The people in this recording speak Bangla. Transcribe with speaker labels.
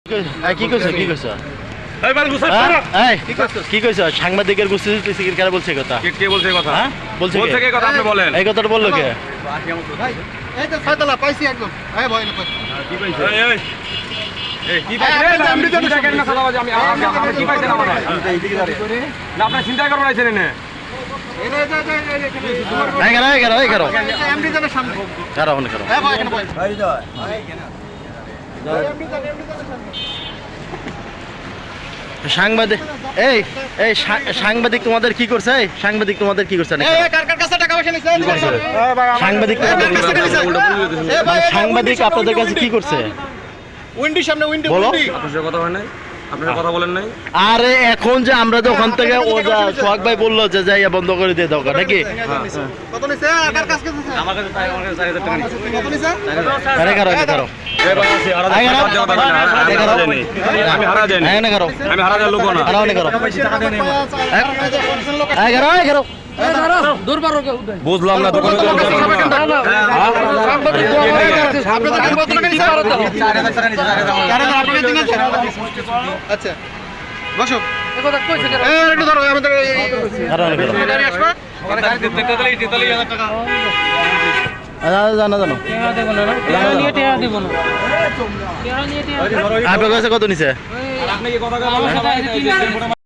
Speaker 1: কি কইছ সাংবাদিকের কারা বলছে কথা?
Speaker 2: কে বলছে কথা?
Speaker 1: হ্যাঁ বলছে
Speaker 2: কে কথা? আপনি বলেন।
Speaker 1: এই কথাটা বললো কে?
Speaker 3: এই তো ছয়তলা পাইছি একদম। এই ভয় না পাই।
Speaker 2: কি পাইছে? কি পাইছে? আমি চিন্তা করেন না সালাবাজি। আমি কি পাইছেন আমারে? না আপনি চিন্তা করবেন আইছেন এনে।
Speaker 1: সাংবাদিক সাংবাদিক তোমাদের কি করছে? সাংবাদিক তোমাদের কি করছে? সাংবাদিক সাংবাদিক আপনাদের কাছে কি করছে? বলো।
Speaker 2: কথা হয় নাই? আপনারা কথা বলেন নাই?
Speaker 1: আরে এখন যে আমরা যে ওখান থেকে ও যা সোহাগ ভাই বললো যে যাইয়া বন্ধ করে দিয়ে দাও নাকি?
Speaker 3: কত নিছে? আকার কাজ করতেছে।
Speaker 2: আমার কাছে 4000 টাকা নিছে।
Speaker 3: কত নিছে?
Speaker 1: আরে করো
Speaker 2: আমি হারা যাই না। আমি হারা যাই লোক না। বুঝলাম না দোকানে
Speaker 3: আচ্ছা বসো একটু ধরো আমাদের
Speaker 1: আপনার কাছে কত নিছে?